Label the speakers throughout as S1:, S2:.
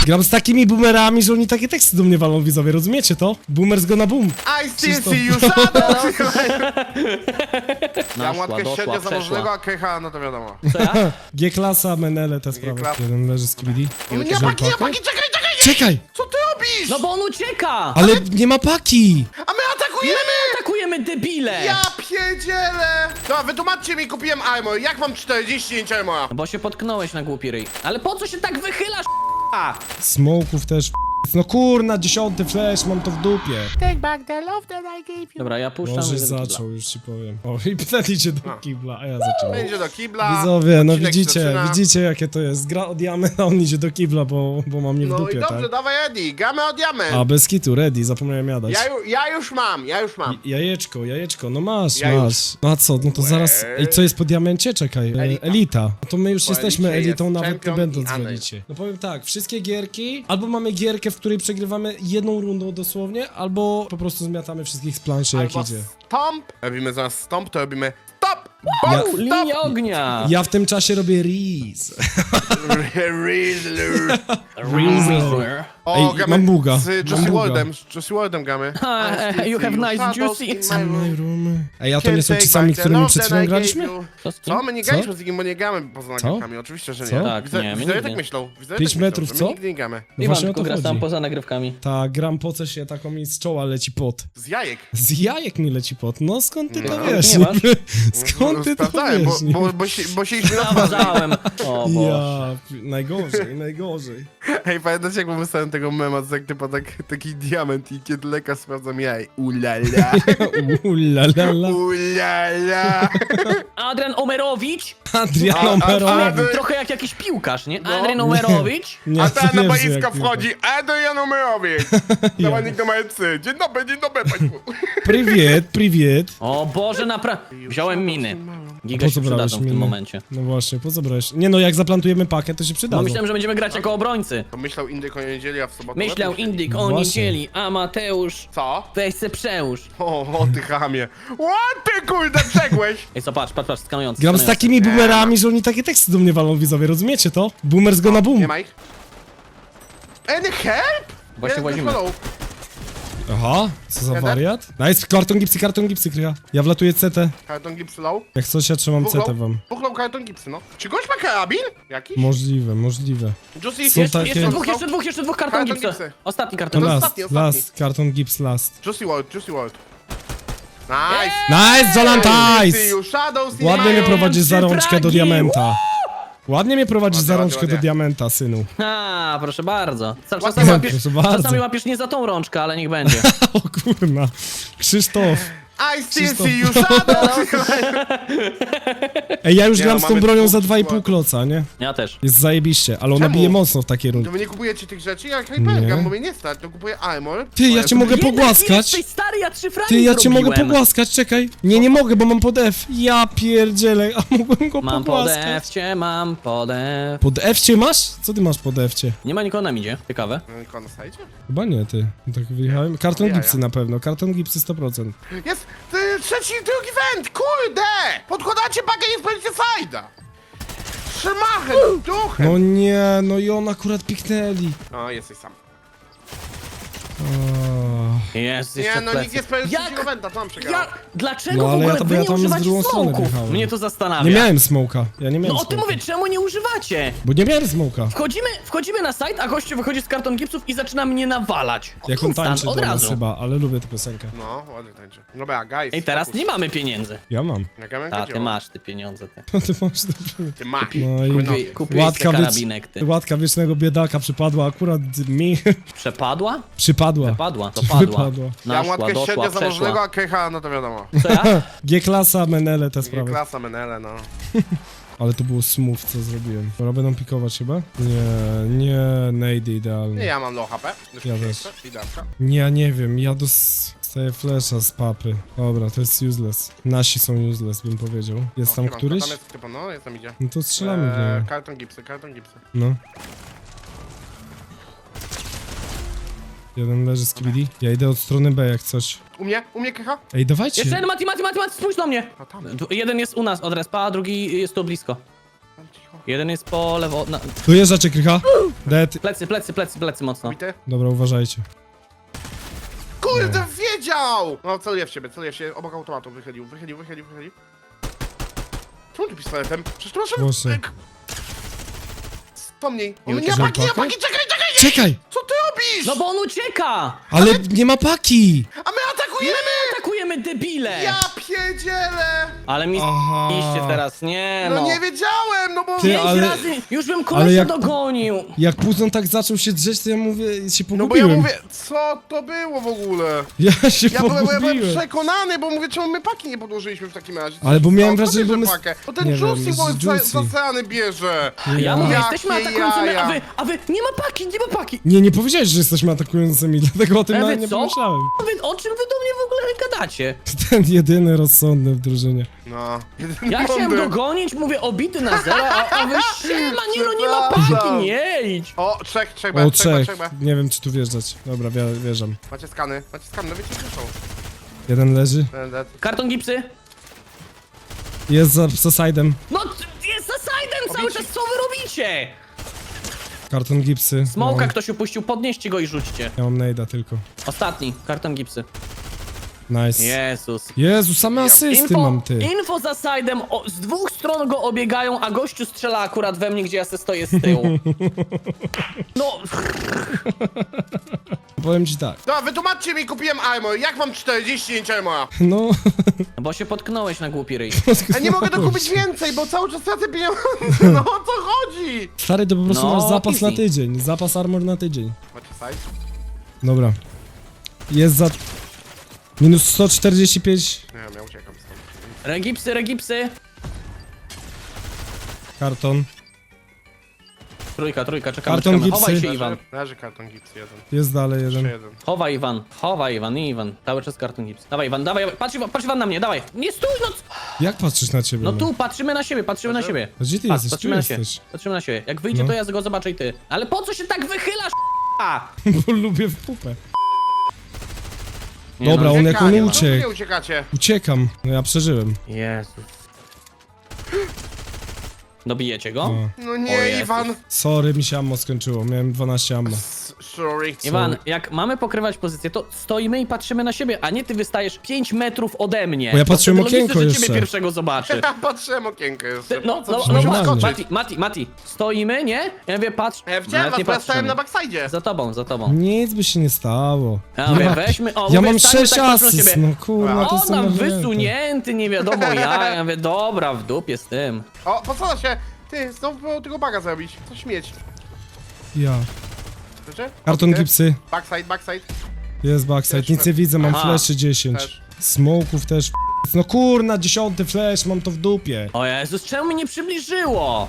S1: Gram z takimi boomerami, że oni takie teksty do mnie walą, widzowie, rozumiecie to? Boomers go na boom.
S2: I still see you shadow! Ja mam
S3: Naszła,
S2: łatkę
S3: doszła,
S2: średnio zamożnego,
S3: przeszła.
S2: a Kecha, no to wiadomo.
S3: Co ja?
S1: G-klasa, Menele, te sprawy.
S2: G-klasa.
S1: Jeden leży z KBD.
S2: Nie ma paki, czekaj!
S1: Czekaj!
S2: Co ty robisz?
S3: No bo on ucieka!
S1: Ale nie ma paki!
S2: A my atakujemy!
S3: Atakujemy debile!
S2: Ja pierdzielę! Dobra, wytłumaczcie mi, kupiłem armor. Jak mam 45 armora?
S3: No bo się potknąłeś na głupi ryj. Ale po co się tak wychylasz, a?
S1: Smoków też. No kurna, 10 flash, mam to w dupie.
S3: Dobra, ja puszczam.
S1: Może
S3: idę do kibla.
S1: zaczął, już ci powiem. O, i pytanie idzie do kibla, a ja zaczynam.
S2: Będzie do kibla.
S1: Widzowie, no
S2: odcinek
S1: widzicie,
S2: zaczyna.
S1: widzicie jakie to jest. Gra od jamy, a on idzie do kibla, bo mam mnie w
S2: No
S1: dupie,
S2: i dobrze,
S1: tak?
S2: dawaj Eddie, gramy o diament.
S1: A, bez kitu, ready, zapomniałem jadać.
S2: Ja już mam.
S1: Jajeczko, no masz,
S2: Ja już.
S1: masz. No a co, no to zaraz... Ej, co jest po diamencie? Czekaj. Elita. No to my już
S2: Po
S1: jesteśmy
S2: elicie
S1: elitą,
S2: jest
S1: nawet nie
S2: champion
S1: będąc
S2: i
S1: w
S2: Anej.
S1: elicie. No powiem tak, wszystkie gierki, albo mamy gierkę, w której przegrywamy jedną rundą dosłownie, albo po prostu zmiatamy wszystkich z planszy, jak
S2: Albo
S1: idzie.
S2: stomp. Robimy zaraz stomp, to robimy stop!
S1: Ja-
S2: Stop!
S3: Linia ognia!
S1: Ja w tym czasie robię Reese.
S2: Rizzler.
S3: Rizzler.
S2: O,
S1: Ej,
S2: gramy
S1: mam buga,
S2: z
S1: mam
S2: Josie
S1: buga.
S2: Wardem. Z Josie Wardem gramy.
S3: You have nice
S2: Shadows
S3: juicy.
S2: in my room.
S1: Ej, a to nie są ci sami, którymi przed chwilą graliśmy?
S3: To z kim?
S2: Co? My nie graliśmy z nikim, bo nie gramy poza nagrywkami. Oczywiście, że nie.
S1: Co?
S3: Tak, nie, my
S2: Widzowie
S3: nigdy.
S2: tak myślą. Widzowie
S1: 5
S2: tak myślą,
S1: metrów,
S2: że my
S1: co?
S2: nigdy nie gramy.
S1: No
S3: Iwan
S1: właśnie o
S3: tylko
S1: to
S3: gra sam
S1: chodzi.
S3: poza nagrywkami.
S1: Ta, gram poce się, taką mi z czoła leci pot.
S2: Z jajek.
S1: Z jajek mi leci pot. No skąd ty to
S2: No.
S1: wiesz?
S3: Nie masz?
S1: Skąd ty to
S2: Sprawdzałem,
S1: wiesz?
S2: bo siedzieliśmy na twarzy.
S3: Sprawdzałem. O Boże.
S1: Ja, najgorzej.
S2: Ej, pamiętacie jak wymyślałem tego mema, co jak typa taki diament i kiedy lekarz sprawdzam jaj. Ulala.
S1: Ulalala.
S2: Ulala.
S3: Adrian Omerowicz?
S1: Adrian
S2: A-
S1: Omerowicz.
S3: Trochę jak jakiś piłkarz, nie?
S2: No.
S3: Adrian Omerowicz?
S1: Nie,
S2: A
S1: to
S2: teraz na
S1: nie brzmi
S2: boisko
S1: jak piłka.
S2: wchodzi Adrian Omerowicz. Zawodnik numer 3. Dzień dobry, państwu.
S1: Priwiet.
S3: O Boże, naprawdę. Wziąłem miny. Giga
S1: Po
S3: się
S1: co brałeś
S3: przydadzą w tym
S1: miny?
S3: momencie.
S1: No właśnie, po co brałeś? Nie no, jak zaplantujemy pakę, to się
S3: No
S1: przydadzą.
S3: myślałem, że będziemy grać jako obrońcy.
S2: To myślał Indyk o niedzieli, a w sobotę...
S3: Myślał
S2: lepiej.
S3: Indyk o
S1: Właśnie.
S3: niedzieli, a Mateusz
S2: Co?
S3: weź se przełóż.
S2: O, ty chamie. O, ty kurde, przegłeś.
S3: Ej, co, patrz, skanujący.
S1: Gram z takimi boomerami, że oni takie teksty do mnie walą, widzowie, rozumiecie to? Boomers go na boom.
S2: Nie ma ich. Any help?
S3: Właśnie
S2: Jest
S3: włazimy.
S2: follow.
S1: Aha, co za
S2: Jeden?
S1: wariat? Nice, karton gipsy, kryja. Ja wlatuję CT.
S2: Karton gipsy low.
S1: Jak coś, ja trzymam CT wam.
S2: Puchnął karton gipsy, no. Czy gość ma karabin? Jakiś?
S1: Możliwe.
S2: Juicy,
S1: Są takie-
S3: Jeszcze dwóch karton
S2: Karton
S3: gipsy.
S2: gipsy.
S3: Ostatni
S1: To
S3: karton.
S2: No,
S3: gipsy.
S1: last,
S2: ostatni.
S1: last, karton gips last.
S2: Juicy World. Nice.
S1: Nice, Zolantajs!
S2: Shadows in
S1: Ładnie
S2: my
S1: mnie
S2: room.
S1: prowadzisz za
S3: trzy
S1: rączkę do
S3: fragi.
S1: diamenta. Ładnie mnie prowadzisz za
S2: Ładnie,
S1: rączkę do
S2: ładnie.
S1: diamenta, synu.
S3: A, proszę bardzo.
S1: Proszę bardzo.
S3: Czasami łapiesz nie za tą rączkę, ale niech będzie.
S1: O kurna. Krzysztof.
S2: I still
S1: Krzysztof.
S2: see you, Shadows.
S1: Ej, ja już
S2: Nie,
S1: gram
S2: no,
S1: z tą
S2: mamy
S1: bronią za
S2: dwóch
S1: 2,5
S2: składów.
S1: kloca, nie?
S3: Ja też.
S1: Jest zajebiście, ale ona
S2: Czemu?
S1: bije mocno w takiej rundzie.
S2: To wy nie kupujecie tych rzeczy? Ja
S1: Nie.
S2: hypergam, bo mnie nie stać, to kupuję armor.
S1: Ty, ja cię mogę
S3: Jednak
S1: pogłaskać.
S3: jesteś stary, ja 3 fragi
S1: Ty, ja cię mogę
S3: zrobiłem.
S1: pogłaskać, czekaj. Nie mogę, bo mam pod F. Ja pierdzielę, a mogłem go
S3: Mam
S1: pogłaskać.
S3: mam pod F.
S1: Pod F cię masz? Co ty masz pod F cię?
S3: Nie ma nikogo na midzie, ciekawe.
S2: No i na sajcie?
S1: Chyba nie, ty. Tak wyjechałem. Karton
S2: Jaja.
S1: gipsy na pewno, karton gipsy 100%.
S2: Jest drugi węd, kurde! Podkładacie bagę, nie spalicie sajda! Szymachem, duchem!
S1: No nie, no i on akurat piknęli.
S2: No, jesteś sam.
S1: O,
S3: Jest,
S2: Nie,
S3: jeszcze
S2: no
S3: plecy.
S2: nikt nie spalił
S3: Jak?
S2: trzeciego węda, tam przegrałem.
S3: Ja, dlaczego
S1: No,
S3: w
S1: ale
S3: ogóle
S1: ja to-
S3: wy
S1: ja
S3: nie
S1: tam z
S3: używacie
S1: drugą stronę
S3: smoków?
S1: wjechałem.
S3: Mnie to zastanawia.
S1: nie miałem smoka, ja nie miałem
S3: No o tym
S1: smoka.
S3: mówię, czemu nie używacie?
S1: Bo nie miałem smoka.
S3: Wchodzimy na site, a gościu wychodzi z karton gipsów i zaczyna mnie nawalać.
S1: Jak on
S3: Instant,
S1: tańczy
S3: od
S1: do nas
S3: razu.
S1: chyba, ale lubię tę piosenkę.
S2: No, ładnie tańczy. Dobra, guys.
S3: Ej, teraz
S2: fokus.
S3: nie mamy pieniędzy.
S1: Ja mam.
S2: Jak ja
S3: A, ty masz te pieniądze, ty.
S1: No ty masz dobrze.
S2: Ty masz.
S1: No i
S2: Kupię-
S3: Kupiłeś te karabinek, ty.
S1: łatka wiecznego biedaka przypadła akurat mi.
S3: Przepadła?
S1: Przypadła.
S3: Padła, to padła.
S1: Wypadła.
S2: Ja mam
S3: Naszła,
S2: łatkę
S3: doszła,
S2: średnio zamożnego,
S3: przeszła.
S2: a Kecha, no to wiadomo.
S3: Co ja?
S1: G-klasa, Menele, te sprawy.
S2: Klasa Menele, no.
S1: Ale to było smooth, co zrobiłem. Dobra, będą pikować chyba? Nie, nade
S2: Nie,
S1: idealnie.
S2: ja mam low HP.
S1: Ja też.
S2: Idealka.
S1: Nie, ja nie wiem, ja dostaję flasha z papy. Dobra, to jest useless. Nasi są useless, bym powiedział. Jest tam któryś?
S2: Tam jest typa, no, jest tam idzie.
S1: No to strzelamy w niego.
S2: Karton gipsy.
S1: No. Jeden leży z KBD. Ja idę od strony B jak coś.
S2: U mnie Kecha?
S1: Ej, dawajcie.
S3: Jeszcze jeden, Mati, spójrz do mnie!
S2: A tam.
S3: Jeden jest u nas od respa, a drugi jest tu blisko.
S2: Cicho.
S3: Jeden jest po lewo...
S1: Dojeżdżacie, Krycha. Dead.
S3: Plecy mocno.
S2: Bity?
S1: Dobra, uważajcie.
S2: Kurde, wiedział! No, celuję w ciebie, obok automatu, wychylił. Czemu ty pistoletem? Przecież tu masz...
S1: Właśnie.
S2: Wspomnij.
S3: Nie
S2: Nie
S3: uciekaj.
S2: ma paki, czekaj!
S1: Czekaj!
S2: Co ty robisz?
S3: No bo on ucieka!
S1: Ale nie ma paki!
S2: A my atakujemy!
S3: Atakujemy debile!
S2: Ja pierdzielę!
S3: Ale mi
S1: Aha.
S3: iście teraz, nie
S2: No
S3: no.
S2: nie wiedziałem, no bo...
S1: Ty,
S3: Pięć
S1: ale-
S3: razy, już bym
S1: ale
S3: kolesia
S1: jak-
S3: dogonił.
S1: Jak Puzon tak zaczął się drzeć, to ja mówię, się
S2: No bo ja
S1: pogubiłem.
S2: mówię, co to było w ogóle?
S1: Ja się
S2: Ja byłem
S1: pogubiłem.
S2: przekonany, bo mówię, czemu my paki nie podłożyliśmy w takim razie?
S1: Ale bo miałem
S2: Kto
S1: wrażenie,
S2: bierze
S1: bo my-
S2: pakę? No
S1: nie
S2: ten
S1: wiem,
S2: Juicy
S1: z
S2: Boy
S1: Juicy.
S2: zaseany bierze!
S3: Ja mówię,
S2: Jakie
S3: jesteśmy atakującymi,
S2: jaja.
S3: a wy, nie ma paki.
S1: Nie powiedziałeś, że jesteśmy atakującymi, dlatego o tym
S3: Ale
S1: nawet
S3: wy
S1: nie
S3: co?
S1: pomyślałem.
S3: O czym wy do mnie w ogóle gadacie?
S1: Ten jedyny rozsądny w drużynie.
S2: No.
S3: Ja chciałem go gonić, mówię obity na zero, a wy siema, nie no nie ma paki, nie idź.
S2: O, trzech
S1: O,
S2: B.
S1: trzech. Nie wiem, czy tu wjeżdżać. Dobra, wjeżdżam.
S2: Macie skany, no wiecie gdzie są.
S1: Jeden leży.
S2: Ten dead.
S3: Karton gipsy?
S1: Jest za side'em.
S3: No jest za side'em cały czas, co wy robicie?
S1: Karton gipsy.
S3: Smoka
S1: No,
S3: ktoś upuścił, podnieście go i rzućcie.
S1: ja mam nade'a tylko.
S3: Ostatni, karton gipsy.
S1: Nice.
S3: Jezus.
S1: Jezu, same asysty mam, ty.
S3: Info za side'em, z dwóch stron go obiegają, a gościu strzela akurat we mnie, gdzie ja se stoję z tyłu. No,
S1: Powiem ci tak.
S2: No, wytłumaczcie mi, kupiłem armor. Jak mam 49 armora?
S1: No...
S3: bo się potknąłeś na głupi ryj.
S2: Ja nie mogę dokupić więcej, bo cały czas tracę pieniądze. No o co chodzi?
S1: Stary, to po prostu
S3: No,
S1: masz zapas
S3: easy.
S1: na tydzień. Zapas armor na tydzień.
S2: Macie side?
S1: Dobra. Jest za... Minus 145
S2: Nie wiem, ja uciekam stąd.
S3: Regipsy.
S1: karton.
S3: Trójka, czekamy,
S1: Karton
S3: czekamy.
S1: gipsy.
S3: Chowaj się, Iwan.
S2: Leży karton gips jeden.
S1: Jest dalej
S2: Jeszcze
S1: jeden.
S2: jeden.
S3: Chowaj, Iwan. Cały czas karton gips. Dawaj, Iwan, dawaj. Patrz Iwan na mnie, dawaj. Nie stój, no.
S1: Jak patrzysz na ciebie?
S3: No tu, patrzymy na siebie.
S1: A gdzie ty
S3: Patrz,
S1: jesteś? Tu
S3: patrzymy na siebie.
S1: jesteś.
S3: Patrzymy na siebie. Jak wyjdzie,
S1: No.
S3: to ja go zobaczę i ty. Ale po co się tak wychylasz, a?
S1: Bo lubię w pupę.
S3: Nie
S1: Dobra,
S3: no.
S1: on jak on
S2: Uciekanie, no.
S1: uciekł.
S2: Nie uciekacie.
S1: Uciekam. No ja przeżyłem.
S3: Jezus. Dobijecie go?
S1: O.
S2: No
S3: O
S2: nie,
S3: Jezus.
S2: Iwan.
S1: Sorry, mi się ammo skończyło. Miałem 12 ammo.
S2: Sorry.
S3: Iwan, jak mamy pokrywać pozycję, to stoimy i patrzymy na siebie, a nie ty wystajesz 5 metrów ode mnie.
S1: Bo ja patrzyłem
S3: To wtedy
S1: okienko
S3: logiczne, że
S1: jeszcze.
S3: ciebie pierwszego zobaczy.
S2: Ja patrzyłem okienko jeszcze.
S3: No,
S2: Co
S3: no,
S2: przy-
S3: no,
S1: normalnie.
S3: Mati, stoimy, nie? Ja mówię, patrz.
S2: Ja widziałem
S3: Nawet
S2: was, bo ja stałem
S3: patrzymy.
S2: na backside'zie.
S3: Za tobą.
S1: Nic by się nie stało.
S3: Ja mówię,
S1: ma-
S3: weźmy, o,
S1: Ja
S3: mówię,
S1: mam
S3: stańmy
S1: 6
S3: tak, patrzę na
S1: asyst,
S3: siebie.
S1: no kurwa, to
S3: O,
S1: są
S3: tam
S1: niewielkie.
S3: wysunięty, nie wiadomo ja mówię, dobra, w dupie z tym.
S2: O, posada się. Ty, znowu było tego baga zrobić. Co śmieć.
S1: Ja.
S2: Słyszę?
S1: Karton
S2: Okej.
S1: gipsy.
S2: Backside.
S1: Jest backside.
S2: Też
S1: Nic nie widzę, mam
S3: Aha.
S1: fleszy 10.
S2: Też.
S1: Smoków też. No kurna, 10 flash, mam to w dupie.
S3: O Jezus, czemu mi nie przybliżyło?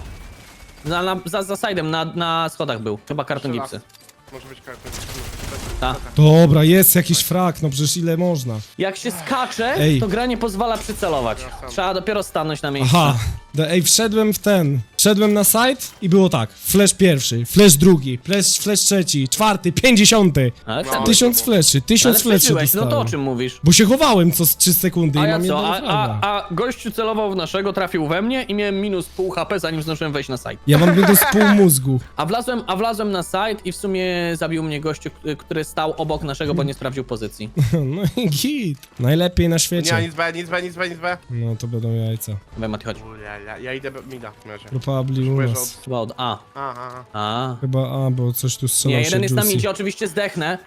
S3: Za side'em, na schodach był. Chyba karton
S2: Jeszcze raz.
S3: gipsy.
S2: Może być karton.
S3: Ta.
S1: Dobra, jest jakiś frak, no przecież ile można.
S3: Jak się skacze,
S1: Ej.
S3: to gra nie pozwala przycelować. Trzeba dopiero stanąć na miejscu.
S1: Aha. Ej, wszedłem na site i było tak. Flash pierwszy, flash drugi, flash trzeci, czwarty, 50.
S3: Ale
S2: No.
S3: wtedy.
S1: 1000 fleszy, 1000
S3: Ale
S1: fleszy
S3: przeżyłeś, no to o
S1: dostałem.
S3: czym mówisz?
S1: Bo się chowałem co z 3 sekundy i
S3: A ja
S1: mam
S3: co?
S1: jednego fraga.
S3: A gościu celował w naszego, trafił we mnie i miałem minus pół HP, zanim zdążyłem wejść na site.
S1: Ja mam minus pół mózgu.
S3: A wlazłem na site i w sumie zabił mnie gościu, który stał obok naszego, bo nie sprawdził pozycji.
S1: No i git. Najlepiej na
S2: Nie,
S1: świecie.
S2: nic B.
S1: No to będą jajca.
S3: Dawaj, Mati, chodź.
S2: Ja idę mida w razie.
S1: Probably u
S2: Spojrzę
S1: nas.
S3: Chyba od A.
S2: Aha.
S3: A.
S1: Chyba bo coś tu strzela
S3: Nie,
S1: się
S3: jeden jest na
S1: Juicy.
S3: midzie, oczywiście zdechnę.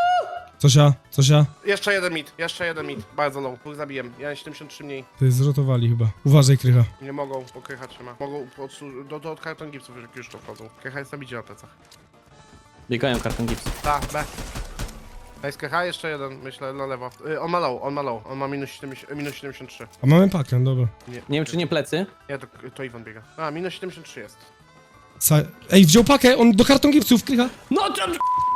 S1: Cosia?
S2: Jeszcze jeden mit. Bardzo low. Pół zabiłem. Ja 73 mniej.
S1: Ty zrotowali chyba. Uważaj, Krycha.
S2: Nie mogą, bo Krycha trzyma. Mogą od karton gipsów już to wchodzą. Krycha jest na bicie na plecach.
S3: Biegają karton gipsy.
S2: Ta, B. Jest Krycha, jeszcze jeden, myślę, na lewo. On ma low. On ma minus 73.
S1: A mamy pakę, dobra.
S3: Nie wiem, czy nie plecy.
S2: Nie, to Iwan biega. A, minus 73 jest.
S1: Ej, wziął pakę, on do karton gipsów, Krycha.
S3: No to...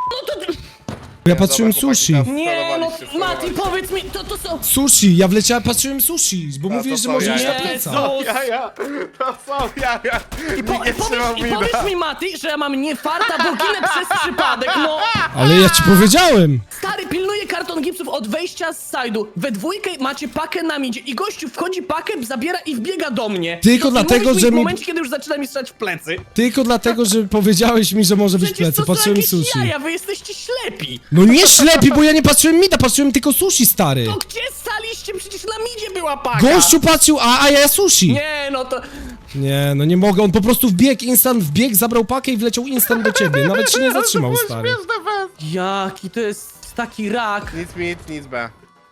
S1: Ja patrzyłem
S2: dobra, chłopaki,
S1: sushi.
S2: teraz-
S3: Nie, no
S2: Starowaliście,
S3: Mati, powiedz mi, to są...
S1: Sushi, ja wleciałem, patrzyłem sushi, bo mówiłeś, że
S2: to
S1: może
S2: ja.
S1: iść na
S3: Jezu.
S1: pleca.
S2: Jaja! To są jaja!
S3: I
S2: Nie trzymał
S3: powiedz mi, Mati, że ja mam nie farta, bo ginę przez przypadek, no!
S1: Ale ja ci powiedziałem.
S3: Stary, pilnuję karton karton gipsów od wejścia z side'u. We dwójkę macie pakę na midzie i gościu wchodzi pakę, zabiera i wbiega do mnie.
S1: Tylko
S3: I
S1: dlatego,
S3: mówisz mi
S1: że
S3: w
S1: mi-
S3: momencie, kiedy już zaczyna mi strzelać w plecy.
S1: Tylko dlatego, że powiedziałeś mi, że może być
S3: Przecież
S1: plecy.
S3: to są
S1: Patrzyłem
S3: jakieś
S1: sushi.
S3: jaja, wy jesteście ślepi.
S1: No nie ślepi, bo ja nie patrzyłem mida, patrzyłem tylko sushi, stary.
S3: To gdzie staliście? Przecież na midzie była paka.
S1: Gościu patrzył, a ja sushi.
S3: Nie, no to...
S1: Nie, no nie mogę, on po prostu wbiegł, instant wbiegł, zabrał pakę i wleciał instant do ciebie. Nawet się nie zatrzymał, stary.
S2: Śmieszne fest.
S3: Jaki to jest taki rak.
S2: Nic mid, nic B.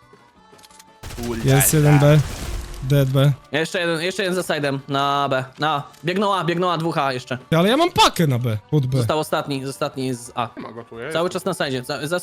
S1: Jest 1B. Dead B.
S3: Jeszcze jeden za side'em, na B. Biegną A, dwóch A jeszcze.
S1: Ale ja mam pakę na B, pod B.
S3: Został ostatni z A.
S2: Ma go tu, jest.
S3: Cały czas na sajdzie,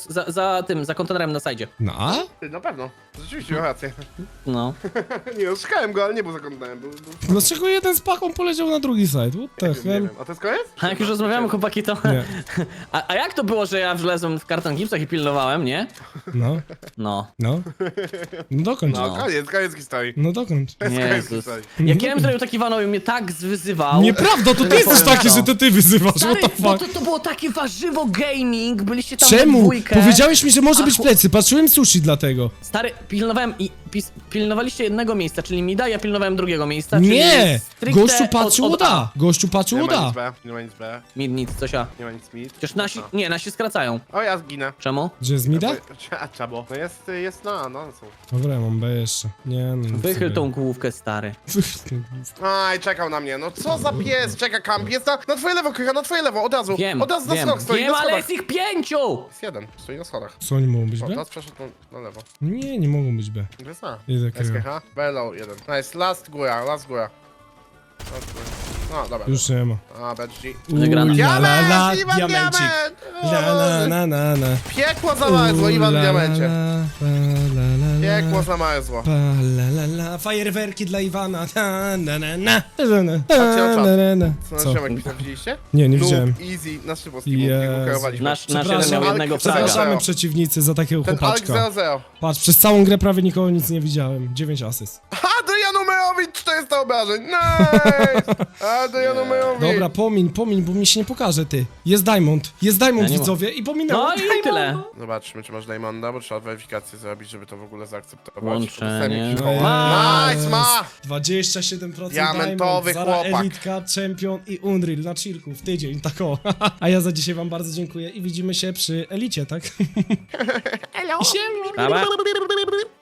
S3: za kontenerem na sajdzie.
S1: Na A?
S2: Ty, na pewno. Rzeczywiście, miał rację.
S3: No.
S2: Nie, no, szukałem go, ale nie był zakątnałem. Był...
S1: Dlaczego jeden z paką poleciał na drugi side? What the
S2: Nie
S1: hell?
S2: wiem. A to jest koniec?
S3: A jak już rozmawiamy, chłopaki, to...
S1: Nie.
S3: A jak to było, że ja wlezłem w karton gipsach i pilnowałem, nie?
S1: No,
S3: No.
S1: no. No dokończ.
S2: No,
S3: No.
S2: koniec historii.
S1: No dokończ.
S2: Koniec
S3: Jezus.
S2: historii.
S3: Jak ja bym zrobił taki Wanowi, mnie tak zwyzywał.
S1: Nieprawda, to
S3: że
S1: ty
S3: nie
S1: jesteś
S3: powiem
S1: taki,
S3: co.
S1: że to ty wyzywasz, what
S3: Stary,
S1: the
S3: bo
S1: fuck?
S3: to było takie warzywo gaming, byliście tam we
S1: Czemu?
S3: dwójkę.
S1: Powiedziałeś mi, że może być
S3: A,
S1: plecy, patrzyłem sushi dlatego.
S3: Stary, pilnowałem i pilnowaliście jednego miejsca, czyli mida, ja pilnowałem drugiego miejsca,
S1: Nie!
S3: czyli stricte
S1: Gościu patrzył
S3: od
S1: od A. Gościu patrzył
S2: Nie
S1: od
S2: ma
S1: A.
S2: nic B, nie ma nic B,
S3: Mid, nic, coś A.
S2: nie ma nic mid.
S3: Przecież nasi,
S2: No.
S3: nie, nasi skracają.
S2: O, ja zginę.
S3: Czemu?
S1: Gdzie jest mida?
S2: A czabo? No jest na, no są.
S1: Dobra, ja mam B jeszcze. Nie, no nic
S3: Wychyl
S1: sobie.
S3: tą główkę, stary.
S1: Wychyl.
S2: Aj, czekał na mnie, no co za pies, czeka kamp, jest na twoje lewo, Krycha, na twoje lewo, od razu.
S3: Wiem,
S2: Od razu na
S3: wiem,
S2: schodach stoi,
S3: wiem,
S2: na
S3: ale
S2: schodach.
S3: jest ich 5!
S2: Jest jeden, stoi na schodach.
S1: Co oni mogą być
S2: O,
S1: B?
S2: teraz przeszedł na lewo.
S1: Nie, nie mogą być B.
S2: Jest na.
S1: Jest jakaś.
S2: SKH, Bellow, jeden. Nice, last góra, last góra. Last góra. No, dobra.
S1: Już nie ma.
S2: A, BG.
S3: Wygrana.
S2: Diament, Iwan
S1: diamencik.
S2: Diament!
S1: La la na na na.
S2: Piekło zamarzło, Iwan w
S1: La,
S2: diamencie.
S1: la, la, la, la,
S2: Piekło zamarzło.
S1: Pa, la, la, la. Fajerwerki dla Iwana. Ta, na, na, na.
S2: Patrzcie na czat.
S1: Na, na.
S2: Co,
S1: Co?
S2: na ziomek pisał, widzieliście?
S1: Nie, nie
S2: Noob,
S1: widziałem.
S2: Easy, na szybko z teamu,
S1: Jezu.
S2: tego kierowaliśmy.
S3: Nasz jeden
S1: Przepraszam,
S3: miał
S2: ale
S3: jednego fraga.
S1: Przepraszamy przeciwnicy za takiego
S2: Ten Alex
S1: chłopaczka.
S2: 0-0.
S1: Patrz, przez całą grę prawie nikogo nic nie widziałem. 9 asyst.
S2: Adrian Numerowicz, 400 obrażeń, nice! Adrian Numerowicz.
S1: Dobra, pomiń, bo mi się nie pokaże, ty. Jest Diamond,
S3: Ja nie
S1: widzowie, i pominęło.
S3: No i tyle.
S2: Zobaczmy, czy masz Diamonda, bo trzeba weryfikację zrobić, żeby to w ogóle zaakceptować.
S3: Łączenie.
S2: Dostałem
S3: Ma.
S2: Nice, ma!
S1: 27%
S2: Diamentowy
S1: Diamond, Zara
S2: chłopak.
S1: Elitka, Champion i Unreal na chillku w tydzień, tak o. A ja za dzisiaj wam bardzo dziękuję i widzimy się przy Elicie, tak?
S2: Hello.
S1: Siema.
S3: Dobra.